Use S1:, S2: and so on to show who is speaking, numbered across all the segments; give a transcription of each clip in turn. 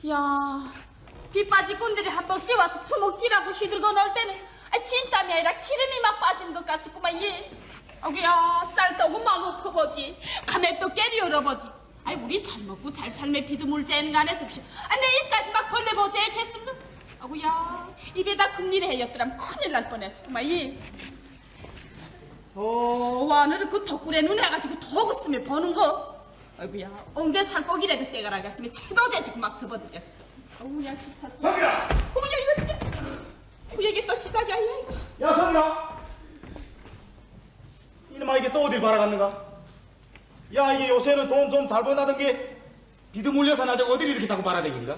S1: 야, 빗바지 꾼들이 한 번씩 와서 주먹질하고 휘들고 놀 때는 진땀이 아니라 기름이 막 빠지는 것 같았구만. 예. 어구야, 쌀떡은 마구 퍼보지. 감에 또 깨리 열어보지. 아이, 우리 잘 먹고 잘 삶에 비드물 째는 거 안에서 혹시 내 입까지 막 벌레 보지 했겠습니다. 어구야, 입에다 금리를 해였더라면 큰일 날 뻔했었구만. 예. 와너를 그 덕분에 눈 해가지고 더 웃으면 보는 거. 아이고야, 엉대 살코기라도 떼가라겠으면 채도제지고 막 접어들겠습니다. 어우야, 귀찮았어.
S2: 성이라!
S1: 어머야, 이거 지금 그 얘기 또 시작이야, 이거.
S2: 야, 성이라! 이놈아, 이게 또 어딜 바라갔는가? 야, 이게 요새는 돈 좀 잘 번다던 게 비드 물려서 나저 어딜 이렇게 자꾸 바라다니는가?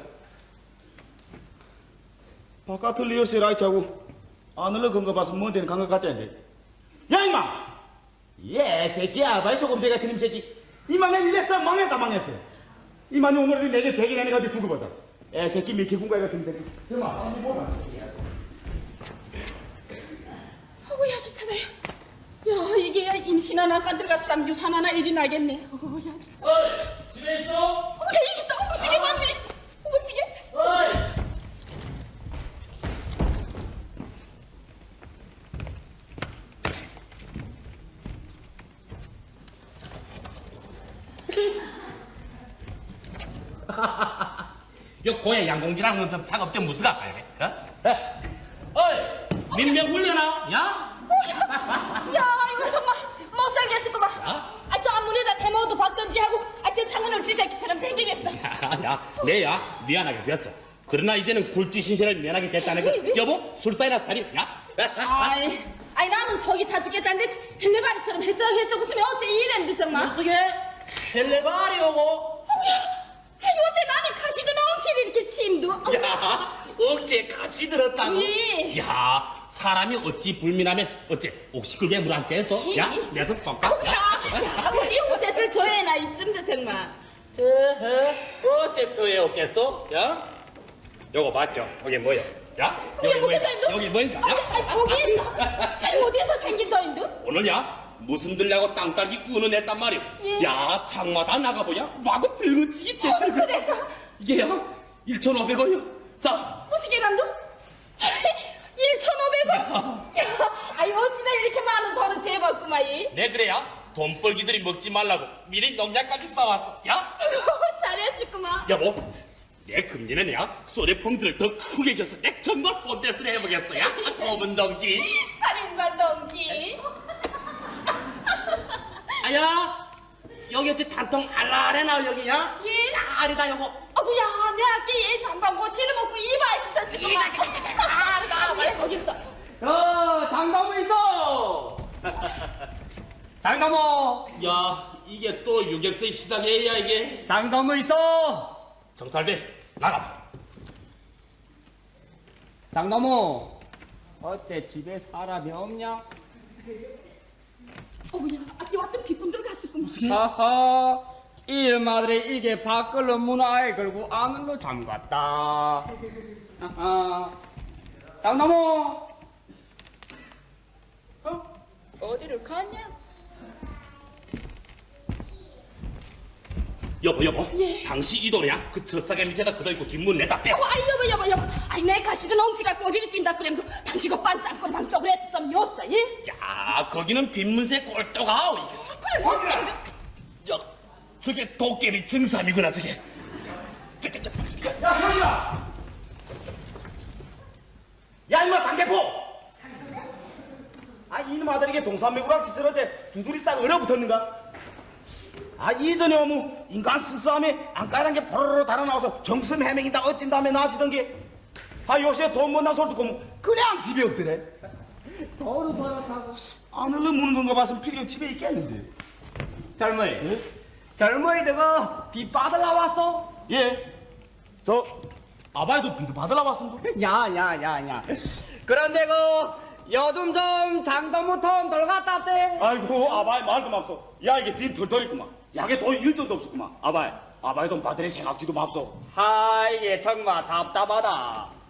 S2: 바깥을 리어스 라이트하고 안을러 건거 봐서 뭔 데는 간 것 같다는데. 야, 임마! 예, 새끼야, 아바이 소금제 같은 놈 새끼. 이마 내 이랬어? 망했다, 망했어. 이마니 오늘 내게 백이 내는 거 어디 두고 보자. 애 새끼 미키 군가이 같은 새끼. 정말 한번 보자.
S1: 어우야, 귀찮아요. 야, 이게 임신한 아까들 같으면 유산 하나 일이 나겠네. 어우야, 귀찮아.
S2: 어이, 집에 있어?
S1: 어우야, 이게 또 어무지게 많네. 어무지게.
S2: 어이!
S3: 요 고야 양공지랑 좀 작업 때 무슨 갈까요? 어이, 민명 훈련아, 야?
S1: 야, 이거 정말 못 살겠을구만.
S3: 야?
S1: 저 앞문에다 대모도 박던지 하고 그 창문을 쥐새끼처럼 댕기겠어.
S3: 야, 내야 미안하게 됐어. 그러나 이제는 굴지 신세를 면하게 됐다는 거. 여보, 술사이나 차려, 야?
S1: 아이 나는 속이 타 죽겠다는데 헬레바리처럼 해쩍해쩍 웃으면 어째 이랬는데 정말.
S3: 어떻게? 헬레바리 오고?
S1: 아이 어째 나는 가시던 엉치를 이렇게 침도.
S3: 야, 억지에 가시 들었다고?
S1: 예.
S3: 야, 사람이 어찌 불민하면 어째 옥시끌게 물 안 쬐서? 야, 내서 뻥까?
S1: 야, 어디 옷에을 조회나 있습니다 정말.
S3: 어째 처에 없겠어? 야? 요거 봤죠? 여기 뭐야? 야?
S1: 이게 무슨
S3: 뭐야?
S1: 도인도?
S3: 여기 뭐인가?
S1: 어디에서 생긴 도인도?
S3: 오늘야 무슨 들ля고 땅딸기 은은했단 말이오.
S1: 예.
S3: 야, 장마다 나가보냐? 마구 들무치기 때.
S1: 그래서
S3: 이게야 1,500원이요. 자,
S1: 무시게 감도? 1,500원? 아이 어찌나 이렇게 많은 돈을 재봤구만 이.
S3: 내 그래야 돈벌기들이 먹지 말라고 미리 농약까지 싸왔어. 야,
S1: 잘했을구만.
S3: 여보, 내 금리는 야 소래봉들을 더 크게 줘서 내 정말 본대스를 해보겠어. 야, 고문 동지.
S1: 살인관 동지.
S3: 아야, 여기 어찌 단통 알라래 나올 여기야?
S1: 예.
S3: 아리다 요거.
S1: 어구야, 내 아끼 얘 반반 고치를 먹고 이봐 있었을구만.
S3: 아리다
S1: 왜 거기 있어?
S4: 장담은 있어. 장담어.
S3: 야, 이게 또 유격전 시작이야 이게.
S4: 장담은 있어.
S3: 정살배 나가봐.
S4: 장담어. 어째 집에 사람이 없냐?
S1: 어구야, 아끼 왔던 비꾼들 갔을구만.
S4: 하하. 일마들이 이게 밖을로 문화에 걸고 안으로 잠갔다. 하하. 장담어. 어디를 가냐?
S3: 여보,
S1: 예.
S3: 당시 이 돈이야? 그 젖사개 밑에다 그어있고 뒷문 내다 빼.
S1: 아이 여보. 아이 내 가시던 엉치가 꼬리를 낀다 그래도 당시가 반짝거리만 쪽으로 해서 좀 없어 예?
S3: 야, 거기는 빈문세 꼴도가.
S1: 그래 뭐지?
S3: 야, 저게 도깨비 증삼이구나 저게.
S2: 야, 성이라! 야, 임마, 장대포! 아, 이놈 아들에게 동산매구랑 지스러제 두드리 싹 얼어붙었는가? 아, 이전에 오면 인간 스스함에 안까란 게 포로로 달아나와서 정슴 해맹이다 어찐 다음에 나아지던 게, 아, 요새 돈 못난 소리 듣고 그냥 집에 없더래.
S4: 도로 돌아타고.
S2: 안을러 무는 건가 봤으면 필요 집에 있겠는데.
S4: 젊은이. 젊은이들가 비 받으러 왔어?
S2: 예. 아바이도 비도 받으러 왔습니다.
S4: 야야야야. 그런데 요즘 좀 장담은 돈 돌갔다 대.
S2: 아이고, 아바이 말도 맙소. 야, 이게 빈 털털있구만. 약에 돈 1돈도 없었구만. 아바이 돈 받으래 생각지도 맙소.
S4: 이게 정말 답답하다.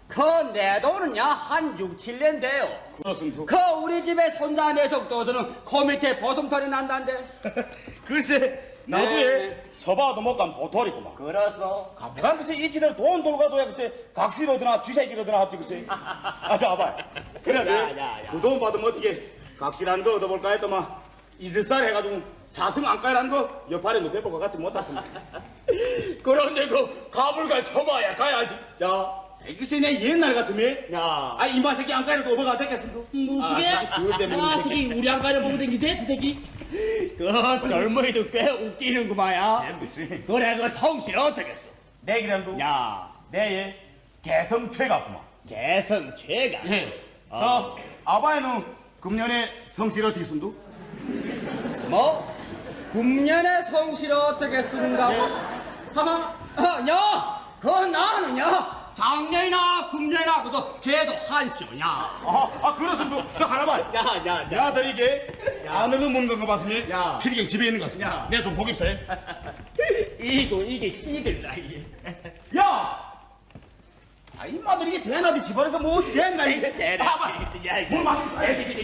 S4: 그 내 돈은야 한 6, 7년 돼요.
S2: 그렇습니다.
S4: 그 우리 집에 손자 내속도서는 그 밑에 버슴털이 난단데.
S2: 글쎄 나도에 서봐도 못 간 보털이구만.
S4: 그렇소.
S2: 가만 글쎄 이치들 돈 돌가도야 글쎄 각시로드나 쥐새끼로드나 합지 글쎄. 아저 아봐. 그래
S4: 야.
S2: 그 돈 받으면 어떻게 각시라는 거 얻어볼까 했더만 이슬살 해가지고 사승 안가라는 거 옆팔에 놓여볼 것 같지 못하구만.
S4: 그런데 그 가불가 서봐야 가야지. 야.
S2: 글쎄 내 옛날 같으면
S4: 야.
S2: 이 마새끼 안가라도 업어가졌겠습니다.
S3: 무시게?
S2: 그것 때문에
S3: 아,
S2: 이 새끼.
S3: 새끼 우리 안가를 보고 댕기지, 저 새끼?
S4: 그 젊은이도 꽤 웃기는구만야.
S2: 무슨
S4: 그래 그 성실 어떻겠어?
S2: 내 기름도
S4: 야.
S2: 내의 개성 최가구만.
S4: 개성 최가.
S2: 저 아바에는 금년에 성실 어떻게 쓴도?
S4: 뭐? 금년에 성실 어떻게 쓰는가? 하하. 야. 그 나는야. 작년이나 금년이나 그도 계속 한시오냐.
S2: 그렇습니다. 저 하나만.
S4: 야.
S2: 내 아들 이게 안으로 묻는 거 봤으면
S4: 야.
S2: 필경 집에 있는 것 같습니다.
S4: 야.
S2: 내가 좀 보깁세.
S4: 이게 희들다 이게.
S2: 야! 이 마들 이게 대나비 집안에서 뭐 어찌 된가 이게. 뭘 막.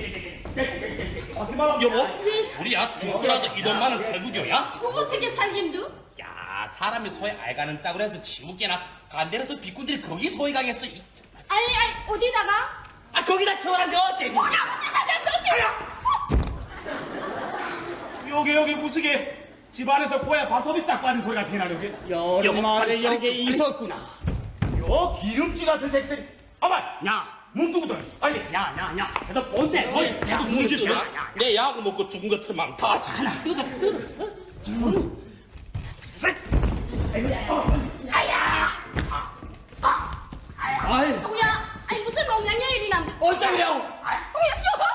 S2: 하지 마라.
S3: 여보, 우리야 죽더라도 이 돈만은 살구교야?
S1: 그거 어떻게 살긴두?
S3: 야, 사람이 소에 알가는 짝으로 해서 지우개나 간대로서 비꾼들이 거기 소에 가겠어.
S1: 아니 어디다가?
S3: 아, 거기다 채워놨는데 어째?
S1: 뭐야 무슨 상관없지?
S2: 여기 무스게 집안에서 고야 발톱이 싹 빠진 소리가 티나는 게.
S4: 여름말에
S3: 빨리
S4: 여기
S3: 좀,
S4: 있었구나.
S2: 요 기름쥐 같은 새끼들이. 아마
S4: 야.
S2: 문두구들. 아니
S4: 야. 그래도 본대.
S3: 내가 문을 뜯어. 내 야구 먹고 죽은 것처럼 다 하나 뜯어.
S4: 아이.
S1: 뭐야? 아니 무슨 농장의 일이 난데?
S4: 어쩌려고?
S1: 뭐야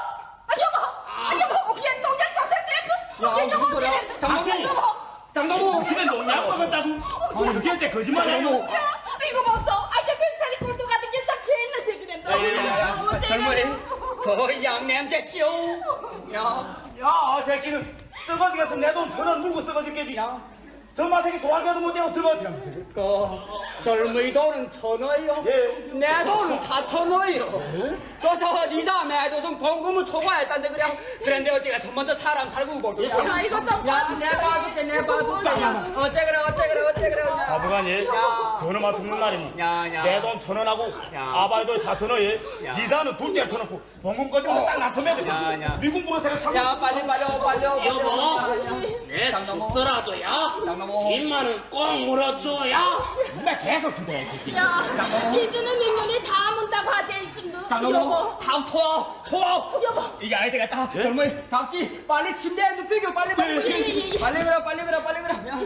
S1: 여보, 그냥 농장 잡사 잼.
S4: 야, 무슨 소리야? 장동무.
S2: 집에 농약 먹었다고? 그게 어째 거짓말이야.
S1: 이거 봤어? 알게 뱃살이 꼴도 같은 게 싹 했는데 그래.
S4: 젊은이. 그 양냄새 씨오. 야.
S2: 야, 새끼는 썩어지겠어. 내 돈 1,000원 물고 썩어지겠지. 전마 새끼 도와줘도 못하고 썩어지라.
S4: 그 젊은이 돈은 1,000원이요.
S2: 예.
S4: 내 돈은 4,000원이요. 그래서 니다 내 돈은 봉금을 초과했단데 그냥. 그런데 어디가 먼저 사람 살고 보자.
S1: 야, 이거 좀
S4: 야, 내 봐줄게. 어째 그래.
S2: 아버가니, 저놈아 죽는 날이니.
S4: 야.
S2: 내 돈 1,000원하고
S4: 야.
S2: 아바이도 4,000원에
S4: 야.
S2: 이사는 둘째를 쳐놓고 봉금 꺼지고 싹 낮춰매야 돼.
S4: 야.
S2: 미군 부르세요.
S4: 야, 빨리.
S3: 여보, 내
S4: 장동무.
S3: 죽더라도야.
S4: 장동무.
S3: 빚만은 꼭 물어줘야.
S2: 나 계속 친다, 이 새끼.
S1: 야, 기준은 민면이 다 문다고 하지 있음도.
S4: 장동무. 다 토.
S1: 여보.
S4: 이게 아이 되겠다. 젊은이 각시 빨리 침대에 눕히고 빨리.
S1: 예.
S4: 빨리 그래. 야.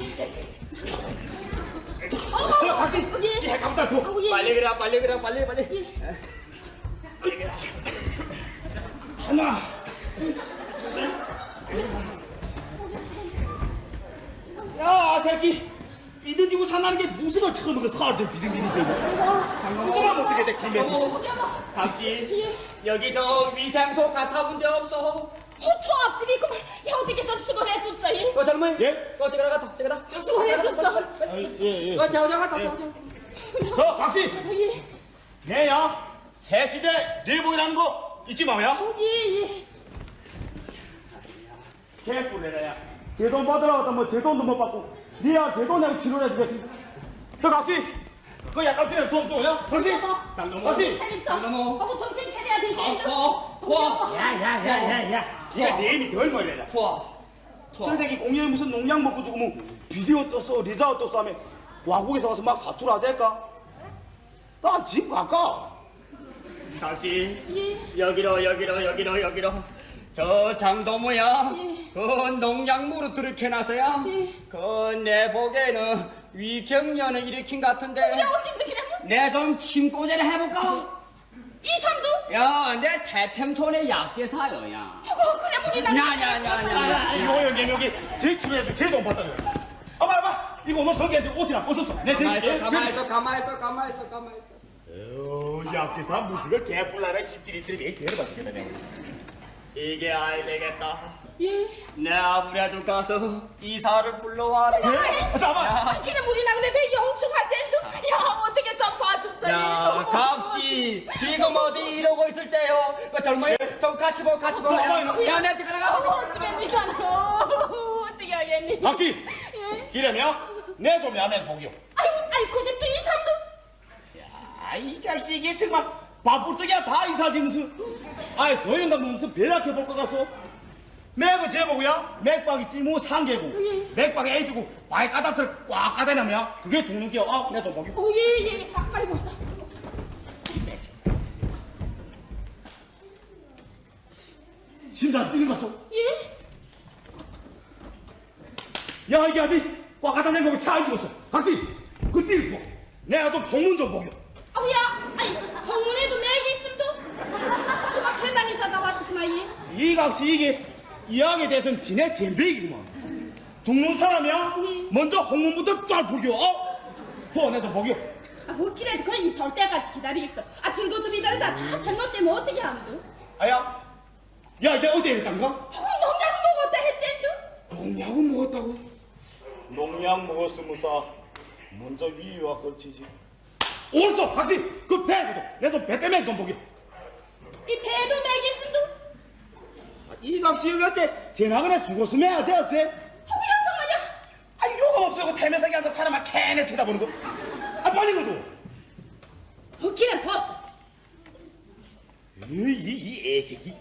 S2: 다시.
S1: 여기.
S2: 예, 감다 고.
S4: 빨리 그래.
S2: 하나. 야, 새끼. 비드지고 산다는 게 무슨 거 처음 그 사활 좀 비등비등대고. 그거만 어떻게 돼, 김에서.
S1: 여보.
S4: 각시 여기 저 위생소 같아본 데 없어.
S1: 호초 앞집이 있구만. 야, 어떻게 좀 수고해 줍소. 이.
S4: 그 젊은이.
S2: 예?
S4: 어디 가다.
S1: 수고해 줍소.
S2: 예.
S4: 저가.
S2: 저, 박씨.
S1: 예.
S2: 내야, 새시대 내복이라는 거 잊지 마야.
S1: 예.
S2: 개뿔내라야. 제 돈 받으라고 하다 제 돈도 못 받고 니야 제 돈 내고 치료를 해주겠습니다. 저 각시 그 약값이나 좀 줘요. 각시.
S4: 장동무.
S2: 각시.
S1: 살림서.
S4: 장동무.
S1: 하고 정신 차려야 되지.
S4: 토.
S2: 야야야야야. 니가 내 힘이 덜 멀려라. 저 새끼 공연에 무슨 농약 먹고 죽으면 비디오 떴어 리자우 떴어 하면 왕국에서 와서 막 사출하될까? 나 집 갈까?
S4: 각시
S1: 예.
S4: 여기로. 저 장동무야.
S1: 예.
S4: 그 농약물을 들이켜놔서야.
S1: 예.
S4: 그 내 보기에는 위경련을 일으킨 것 같은데.
S1: 야, 어찌도 그래?
S4: 내 좀 침꼬제를 해볼까?
S1: 이삼도?
S4: 야, 내 태평촌의 약재사요, 야.
S1: 그래 우리
S4: 야.
S2: 이거 여기 제 치료해줘 제 돈 받잖아요. 봐봐 이거 오늘 덕에 옷이나 벗었어. 내 대줄게.
S4: 가만있어.
S2: 약재사 무식을 개뿔나라 힘들이들이 왜 데려다 주겠다 내가.
S4: 이게 아이 되겠다.
S1: 예.
S4: 내 아무래도 가서 이사를 불러와라.
S2: 잠깐만.
S1: 기는 우리 나그네 배 영충하지? 야, 어떻게 좀 봐줬어요?
S4: 야, 각시 지금 어디 이러고 있을 때요? 그 젊은이 좀 같이 보고. 야, 내 뒤가 나가.
S1: 어찌면 니가는 어떻게 하겠니?
S2: 박씨,
S1: 예.
S2: 기라며 내 좀 야매 보기요.
S1: 아이 그 집도 이 삼도.
S2: 아, 이 자식이 정말 바쁘적이야 다 이사지 무슨. 아이, 저 영감 무슨 배락해 볼 것 같소? 맥은 제목이야. 맥박이 띠무 상계고, 맥박에 애기고 발가닥을 꽉 까대냐면 그게 죽는 게요. 아, 내 좀 보기.
S1: 예. 빨리 보자.
S2: 심장 뛰는 것소.
S1: 예.
S2: 야, 이게 아직 꽉 까다낸 거고 차안 죽었어. 박씨, 그 띠를 보. 내가 좀 복문 좀 보겨.
S1: 아우야, 아이 동문에도 맥이 있음도. 정말 팬단 이사가 왔었구나 예.
S2: 이 각시 이게 이왕에 대해서는 지네 잼배이구만. 죽는 사람이야.
S1: 네.
S2: 먼저 홍문부터 쫙 보겨. 내가 좀 보겨.
S1: 뭐 길에도 거의 이사 올 때까지 기다리겠어. 줄고도 기다리다 다 잘못되면 어떻게 하는데?
S2: 아야, 야, 이게 어제 했단가?
S1: 농약 먹었다 했젠도?
S2: 농약을 먹었다고? 농약 먹었으면서 먼저 위와 걸치지. 옳소, 다시 그 배고도 내 좀 배 때문에 좀 보게.
S1: 이 배도 맥 있음도?
S2: 이 각시 여기 어째 제 나그네 죽었으면 어째?
S1: 허구야 정말야?
S2: 아, 요가 없어요. 태면상에 앉아 사람만 캐내 쳐다보는 거. 아, 빨리 그래도.
S1: 길은 벗어.
S2: 이 애새끼.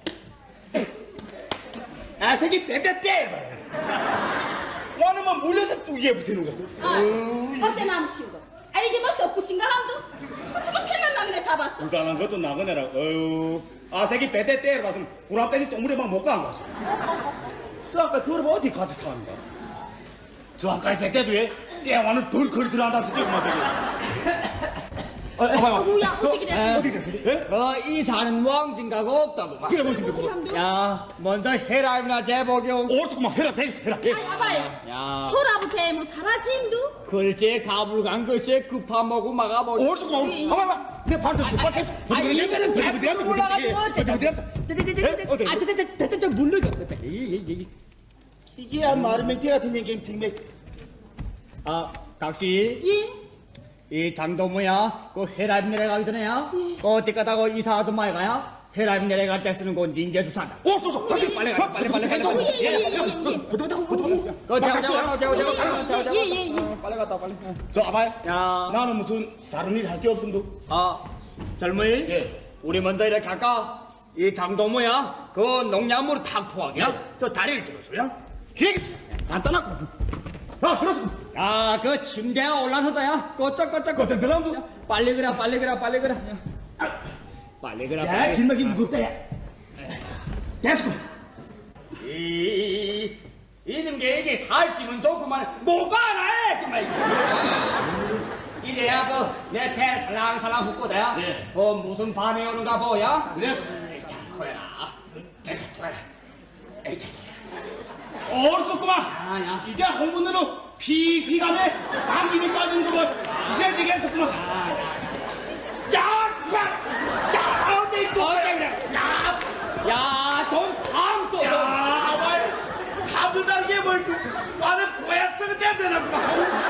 S2: 애새끼 배때 때. 너는 뭐 물려서 뚜기에 붙이는 거지?
S1: 어제 남친구. 이게 뭐 덕구신가 함도? 어쩌면 팬난 나그네 다 봤어.
S2: 부산한 것도 나그네라. 새끼 배때 때를 봤으면 구랍돼지 똥물에 막 못 간 거지. 저 아까 들어봐 어디 같이 사는가? 저 아까 배때도 왜 떼와는 덜걸 들어간다 새끼구만 저기.
S1: 어구야 어떻게 됐어?
S2: 어떻게 됐어? 예?
S4: 이 사는 왕진가가 없다고.
S2: 그래 보시면 그거.
S1: 함도?
S4: 야, 먼저 해라이나 제복용.
S2: 오죽만 해라.
S1: 아이 아바이.
S4: 야,
S1: 소라부터 뭐 사라짐도?
S4: 글쎄 가불간 글쎄 급한 먹고 막아버려.
S2: 오죽만. 봐봐. 내 발도 발 쳤어.
S4: 이거는 백불 올라가지고 물러가.
S2: 이게 마르맹태 같은 얘기 정말.
S4: 아, 각시.
S1: 예.
S4: 이 장도무야, 그 해라임 내려가기 전에야, 그 어디 가다가 이사도 많이 가야, 해라임 내려갈 때 쓰는 건 닌게도 산다.
S2: 쏘. 다시
S4: 빨리 가, 빨리.
S1: 예예예예.
S4: 그 제가.
S1: 예예예.
S4: 빨리 갔다 빨리.
S2: 저 아바이.
S4: 야,
S2: 나는 무슨 다른 일 할 게 없음도.
S4: 젊은이.
S2: 예.
S4: 우리 먼저 이렇게 할까? 이 장도무야, 그 농약물 탁 토하게야. 저 다리를 들어줘야.
S2: 기획이 간단하고. 그렇소.
S4: 야, 그 침대에 올라서서야, 꼬쩍꼬쩍.
S2: 들어가면
S4: 빨리 그래. 빨리 그래.
S2: 야, 길막이 무겁다, 야. 계속.
S4: 이런 게 이게 살찌면 좋구만. 뭐가 하나 해, 그만. 이제야 그내 배 살랑살랑 훅고다야.
S2: 예.
S4: 무슨 반응이 오는가 보야.
S2: 그래.
S4: 자, 토해라.
S2: 어렸었구만.
S4: 아야.
S2: 이제 홍문으로 피감에 당김이 빠진 거걸 이제 되게 했었구만. 야, 어째 이거.
S4: 야, 좀 참소.
S2: 야, 말 잡는다는 게 뭘, 나는 고야 쓰는 데면 되나구만.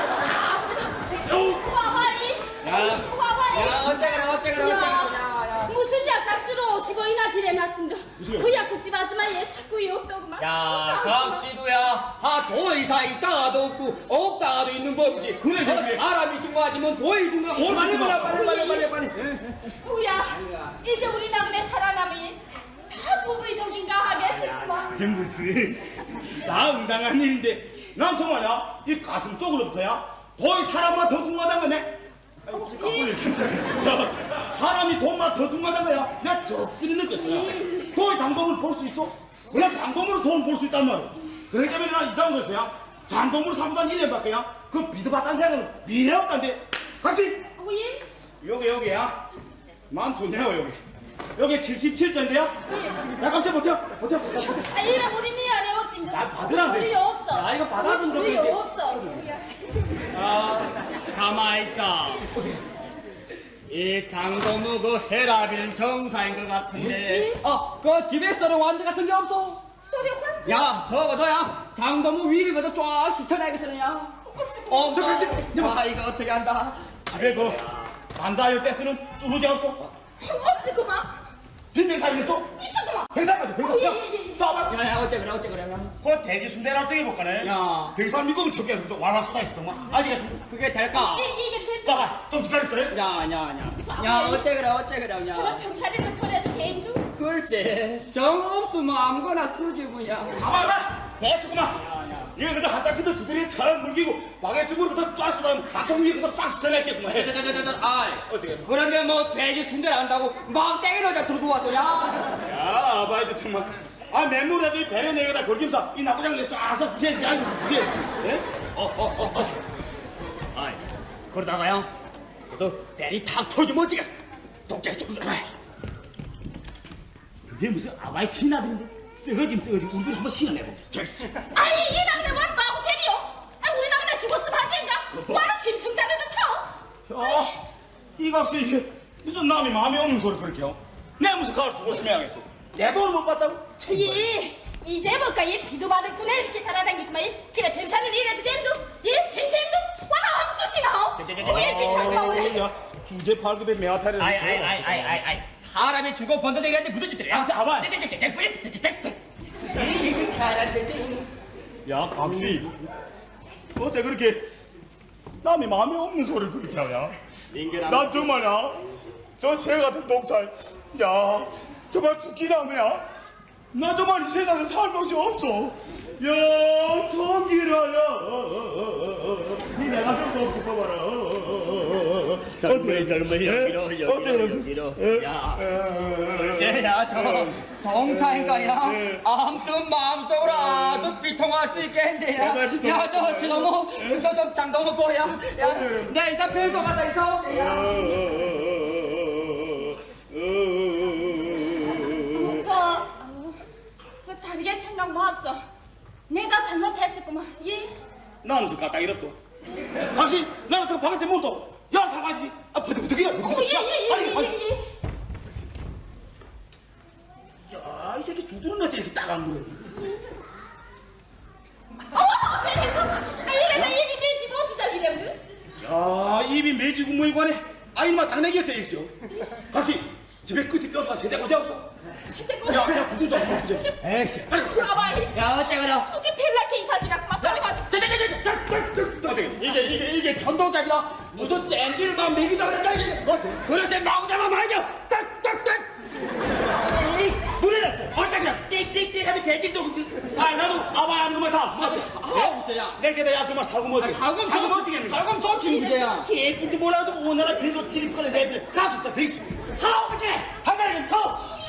S1: 와봐이.
S4: 야, 어째그래.
S1: 무슨 약값으로 50원이나 들여놨습니다.
S2: 무슨요?
S1: 그 약국집 아줌마 얘 자꾸 이 없더구만.
S4: 야, 각시도야. 더 이상 있다가도 없고 없다가도 있는 법이지.
S2: 그래.
S4: 사람이 중요하지만 도이 중요하고. 빨리.
S1: 후야, 이제 우리 나그네 살아남이 다 부부의 덕인가 하겠구만.
S2: 무슨 나 응당한 일인데 난 정말야 이 가슴 속으로부터야 더 사람만 더 중요하단 거네. 저 사람이 돈만 더 중요하단 거야. 내가 적스리 느꼈어요. 더 장동을 볼 수 있어? 그래, 장동으로 돈 벌 수 있단 말이야. 그러기 때문에 난 이 장소에서야 장동을 사고 단 1년밖에야 그 비드받단 생각은 미래 없단데. 다시
S1: 예?
S2: 여기야. 난 좋네요. 여기 77자인데요. 야, 깜짝 버텨.
S1: 이래 우리 미안해 어찌인가.
S2: 나 받으라는데.
S1: 우리 없어.
S2: 야, 이거 받아주면
S1: 우리
S2: 좋겠는데.
S1: 없어.
S4: 가만히 있자. 이 장동무 그 헤라비는 정사인 것 같은데. 그 집에 썰은 완전 같은 게 없어.
S1: 썰 저리 환지.
S4: 야, 저거야. 장동무 위리거든 쫙 시쳐내겠어요, 야.
S1: 없어.
S4: 그렇지. 아, 이거 어떻게 한다.
S2: 집에 그 반자할 때 쓰는 쭈루지 없어?
S1: 없어 그만.
S2: 빈대살 있어?
S1: 있어 그만.
S2: 백살 가져 백살.
S1: 예.
S2: 쏴봐.
S4: 야, 어째 그래.
S2: 그 돼지 순대랑 저기 볼까네.
S4: 야.
S2: 백살 미국은 적게 해서 와라 수가 있었더만. 아니겠어.
S4: 그게 될까?
S1: 이게 배.
S2: 쏴봐. 좀 기다렸어요.
S4: 야, 어째 그래,
S1: 저런
S4: 야.
S1: 병사리는 저래도 개인도.
S4: 글쎄, 정 없으면 아무거나 쓰지, 뭐야.
S2: 봐봐. 됐구만. 얘 그저 한짝 그저 두드리에 잘 물기고 바게트물로 그저 쫙 쏟아면 바통 위에 그저 싹 스쳐냈겠구만.
S4: 아이,
S2: 어떻게?
S4: 그런데 뭐 돼지 순대를 한다고 막 땡이러자 들고 왔어, 야.
S2: 야, 아바이도 정말. 아, 맨물에도 이 배를 내려다 걸김사 이 나부장을 싹싹 수시해야지. 아이고, 수시해. 예?
S4: 아이, 그러다가요, 또 배리 탁 터지면 어찌겠어. 독재 좀.
S2: 그게 무슨 아바이 친아들인데? 쓰거짐 우리들 한번 신어내보자.
S1: 아니 이 남네 와 마구 재미요. 아 우리 남네 죽었으면 하지인가. 와라 짐승다리도 타.
S2: 야, 이 각시 이게 무슨 남이 마음에 없는 소리 그렇게 해? 내가 무슨 가을 죽었으면 하겠어. 내 돈을 못 받자고?
S1: 이제 뭐까 이 비도 받을 꾸네 이렇게 달아다니구만. 그래 병사는 이래도 됨도. 진심도 와라 엉주시나. 왜 비상가오래.
S2: 야, 주제 팔급에 매화타를.
S4: 아이. 사람이 죽어 번더쟁이한테 묻어주더래.
S2: 박씨, 아바이.
S4: 이거 잘한데.
S2: 야, 박씨. 어째 그렇게 남이 마음에 없는 소리를 그렇게 하냐? 난 정말야, 저 새 같은 독살, 야, 정말 죽기라며야. 나 정말 이 세상에 살 곳이 없어. 야, 성기라야. 니 내가 성도 죽어봐라.
S4: 젊은이 여기로. 야, 글쎄야, 저 동차인가야? 아무튼 마음속으로 아주 비통할 수 있겠는데, 야. 야, 저 좀 장동무 보야. 야, 내 인사 별소 가다 있어.
S1: 저 다르게 생각 뭐 없어. 내가 잘못했었구만.
S2: 나는 저 까딱 이랬어. 다시 나는 저 바가지 못도 야 사가지. 아 버득버득이야.
S1: 예.
S2: 야, 이 새끼 주두른 것이 이렇게 딱안 물어.
S1: 어째니까? 이래다 입이 내지도 어디서 이래?
S2: 야, 입이 매지고 뭐이관해 아, 이마 당내기였어 있어. 다시 집에 끝이 뼈가 세대고지 없어. 야, 주두 좀 먹자.
S4: 에이씨.
S1: 아바이.
S4: 야, 어째 그래?
S1: 어째 펠라케 이사지가 빨리 맞지.
S4: 이게 전도자기다. 무슨 땡기를만 먹이자 그랬다, 이게. 그럴 때 마구 잡아 말이야. 딱딱딱.
S2: 물에 났어. 그냥 띡띡띡 하면 돼지도. 아, 나도 아바 하는 것만 다.
S4: 무서야.
S2: 내게 야 정말 사고 못지.
S4: 사고
S2: 못지겠네.
S4: 살금 좋지, 무서야.
S2: 개뿔도 몰라도 오늘날 배소 티리프가 내bil 갑시다 백수. 하오지. 하나님 하오.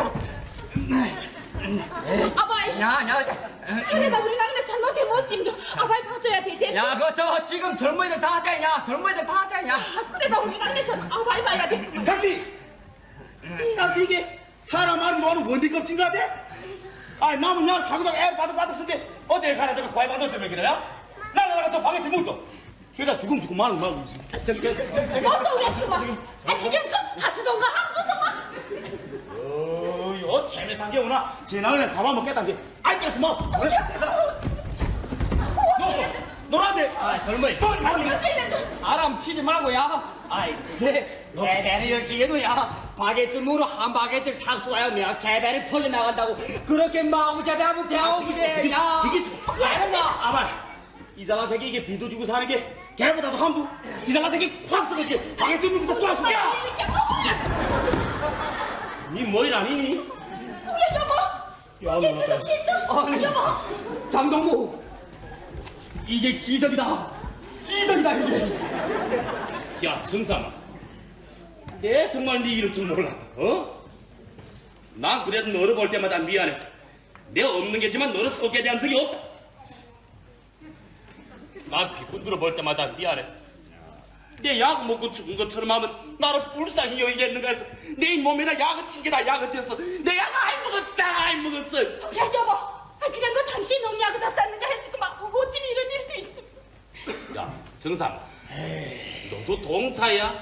S1: 아바이.
S4: 야,
S1: 저래가 우리 남네 잘못해 못 짐도. 아바이 봐줘야 되지.
S4: 야, 그저 지금 젊은이들 다 하자냐? 젊은이들 다 하자냐?
S1: 그래가 우리 남네 잘 아바이 봐야 돼.
S2: 당신 이 당신 이게 사람 알기로 하는 원디 껍질 같아? 아니 남은 그냥 사고ದಾಗ 애 바득바득 어제 가라 저거 과외 받을 때문에 그래요? 나가 저 방에 들물도 그러다 죽음 말은 말고 있어.
S1: 뭐또 그랬구만. 지금서 하수동가 한국서만.
S2: 요 태매상계 오나 지나그냥 잡아먹겠다는 게 알겠어 뭐. 그래 노란데.
S4: 아, 젊은이.
S2: 또 잡으면
S4: 아람 치지 말고, 야. 아이, 개배를 열지게도, 야. 바게트 무로 한 바게트를 탁 쏘아야 개배를 터져나간다고. 그렇게 마구잡이하면 대하오기세, 야.
S2: 이게
S4: 아는가?
S2: 아발 이상한 새끼 이게 비도 주고 사는 게 개보다도 함부. 이상한 새끼 확 쓰러지 방에 물고 또 쏴. 니 뭐일 아니니?
S1: 여보. 얘 저좀 싫다. 여보.
S4: 장동무. 이게 기덕이다. 기덕이다, 이게.
S3: 야, 정삼아. 내 정말 네 이럴 줄 몰랐다. 난 그래도 너를 볼 때마다 미안했어. 내가 없는 게지만 너를 소개한 적이 없다. 난 비꾼들을 볼 때마다 미안했어. 내 약 먹고 죽은 것처럼 하면 나를 불쌍히 여기겠는가 해서 내 몸에다 약을 튕겨다 약을 쳤어. 내 약을 안 먹었어.
S1: 야 여보. 그냥 너 당신 농약을 잡쌌는가 했을구만. 어쩜 이런 일도 있어.
S3: 야, 정삼아. 너도 동차야?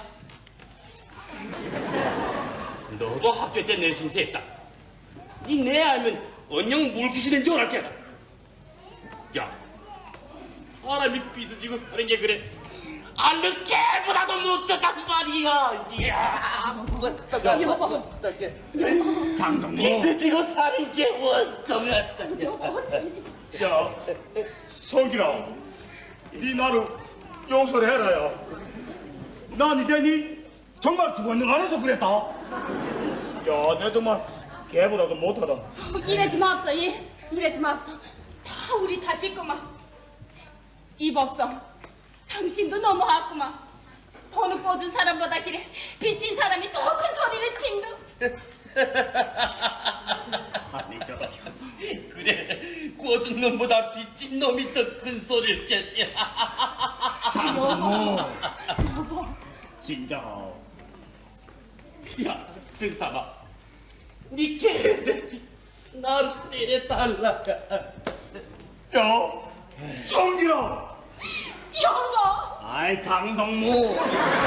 S3: 너도 학교 때 내신세 했다. 니 내 알면 언영 물귀신 된지 오랄게. 야, 사람이 삐져지고 사는 게 그래. 알는 개보다도 못하단 말이야. 이야,
S1: 여보.
S4: 장동무.
S3: 삐져지고 사는 게 원통하다.
S2: 야, 성기라, 네 나를 용서를 해라, 야. 난 이제 니 정말 죽었는 안에서 그랬다. 야, 내 정말 걔보다도 못하다.
S1: 이러지 맙소, 이러지 맙소. 다 우리 탓이구만. 이법성, 당신도 너무하구만. 돈을 꿔준 사람보다 길에 빚진 사람이 더 큰 소리를 친다.
S3: 아니 저 그래 꿔준 놈보다 빚진 놈이 더 큰 소리를 쳤지.
S4: 장동무.
S2: 진짜.
S3: 야 증삼아, 니 개새끼 나를 때려달라.
S2: 야, 성기라.
S1: 여보.
S4: 아이 장동무.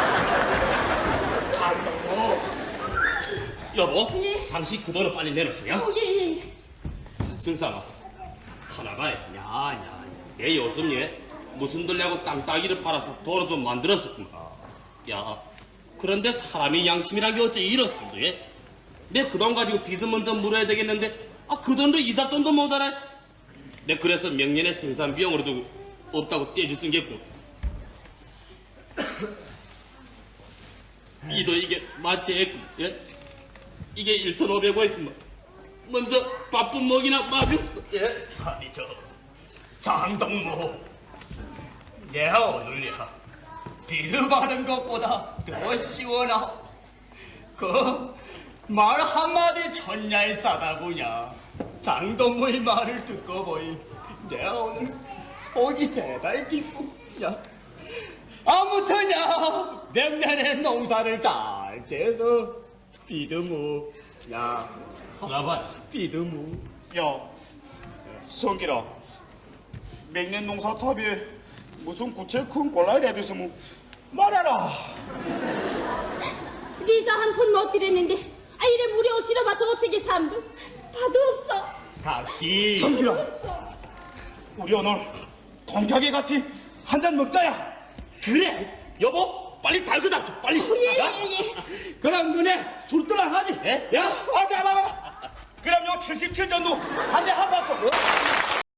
S4: 장동무.
S3: 여보,
S1: 예.
S3: 당신 그 돈을 빨리 내놓으세요.
S1: 예.
S3: 증삼아, 하나가 야야 내 요즘 얘 무슨 들려고 땅따기를 팔아서 돈을 좀 만들었었구나. 야, 그런데 사람이 양심이란 게 어째 이렇습니다. 예? 내 그 돈 가지고 빚은 먼저 물어야 되겠는데 그 돈도 이삿돈도 모자라. 내 그래서 명년에 생산 비용으로 두고 없다고 떼줄 생겼고. 이도 이게 마치 예? 이게 1,500원이구만. 먼저 바쁜 먹이나 막였어. 예?
S4: 아니 저 장동무. 내가 오늘이야 비드 받은 것보다 더 시원하오. 그 말 한마디 천냐에 싸다구냐. 장동무의 말을 듣고 보니 내가 오늘 속이 대단히 기쁘냐. 아무튼야 내년에 농사를 잘 지어서 비드무 야
S3: 하나만
S4: 비드무.
S2: 야, 성기라. 맹년 농사 탑에 무슨 구체 큰 꼴라이라 됐으면 말해라.
S1: 네가 한 푼 못 드렸는데 이래 무리 오시러 봐서 어떻게 삼도 봐도 없어.
S4: 각시
S2: 성기라,
S1: 없어.
S2: 우리 오늘 동격에 같이 한 잔 먹자야.
S3: 그래 여보 빨리 달고 잡수 빨리.
S1: 예.
S2: 그럼 눈에 술도랑 하지. 야, 자, 봐봐. 그럼 요 77전도 한 대 한 박수.